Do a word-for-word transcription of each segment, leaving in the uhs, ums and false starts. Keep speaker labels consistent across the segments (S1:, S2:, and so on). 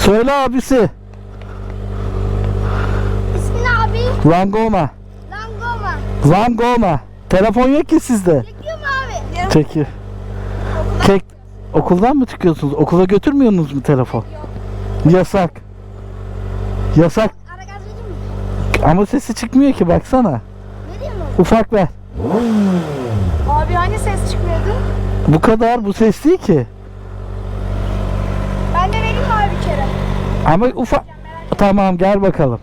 S1: Söyle abisi.
S2: İsmin abi?
S1: Langoma.
S2: Langoma.
S1: Langoma. Telefon yok ki sizde.
S2: Çekiyor mu abi?
S1: Çekiyor. Çek. Okuldan mı çıkıyorsunuz? Okula götürmüyorsunuz mu telefon? Yasak. Yasak.
S2: Ara gaz vereyim mi?
S1: Ama sesi çıkmıyor ki, baksana.
S2: Vereyim mi?
S1: Ufak ver.
S2: Abi hani ses çıkmıyordu?
S1: Bu kadar, bu ses değil ki.
S2: Ben de vereyim mi abi bir kere?
S1: Ama ufak. Tamam, gel bakalım.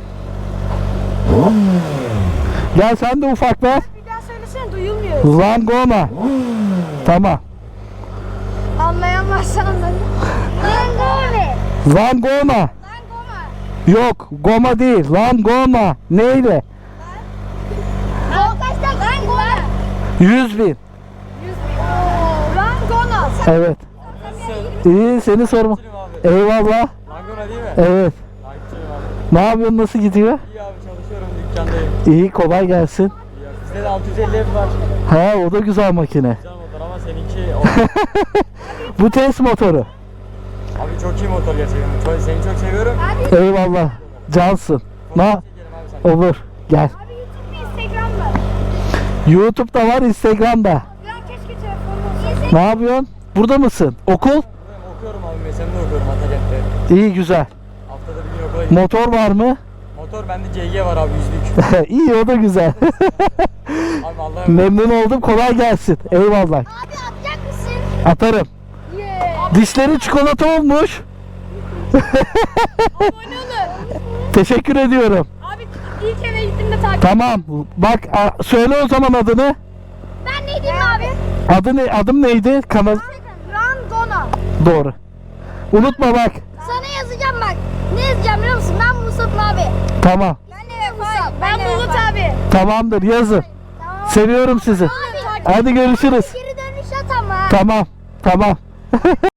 S1: Gel sen de ufak ver.
S2: Bir daha söylesene, duyulmuyor.
S1: Langoma. Tamam.
S2: Anlayamazsan anladın. Langome.
S1: Langoma.
S2: Langoma.
S1: Yok, goma değil. Langoma. Neyle?
S2: Kaçta Langoma?
S1: Yüz bin.
S2: Yüz bin. Langona.
S1: Evet. İyi, seni sorma. Eyvallah.
S3: Langona değil mi?
S1: Evet.
S3: Takipçiyim abi.
S1: Ne yapıyorsun, nasıl gidiyor?
S3: İyi abi, çalışıyorum, dükkandayım.
S1: İyi, kolay gelsin.
S3: İyi abi. Bizde de altı yüz elli F var.
S1: Ha, o da güzel makine.
S3: Güzel motor ama seninki o.
S1: Bu test motoru.
S3: Abi çok iyi motor gerçekten. Çok, seni çok seviyorum.
S2: Abi,
S1: Eyvallah. Cansın. Ne?
S3: Fotoğraf çekelim abi sen.
S1: Olur. Gel.
S2: abi YouTube mu, Instagram mı?
S1: YouTube'da var, Instagram'da.
S2: Ya keşke telefonum olsa.
S1: Ne yapıyorsun? Burada mısın? Okul?
S3: Buradayım, okuyorum abi. Mesen'de okuyorum Atakent'te.
S1: İyi, güzel.
S3: Haftada bir gün okula gidiyorum.
S1: Motor var mı?
S3: Motor bende C G var abi, yüzlük.
S1: İyi, o da güzel.
S3: Abi Allah'a emanet.
S1: Memnun oldum. Kolay gelsin. Eyvallah.
S2: Abi atacak mısın?
S1: Atarım.
S2: Yeah.
S1: Dişleri çikolata olmuş.
S2: Abone olun.
S1: Teşekkür ediyorum.
S2: Abi ilk eve gittiğimde takip.
S1: Tamam. Bak, a- söyle o zaman adını.
S2: Ben ne diyeyim abi?
S1: Adı ne? Adım neydi? Kanal.
S2: Langona.
S1: Doğru. Unutma bak.
S2: Sana yazacağım bak. Ne yazacağım biliyor musun? Ben Musab abi.
S1: Tamam.
S2: Ben de Musab. Ben Bulut abi.
S1: Tamamdır. Yazın.
S2: Tamam.
S1: Seviyorum sizi.
S2: Abi.
S1: Hadi görüşürüz.
S2: Geri dönüş at ama.
S1: Tamam. Tamam.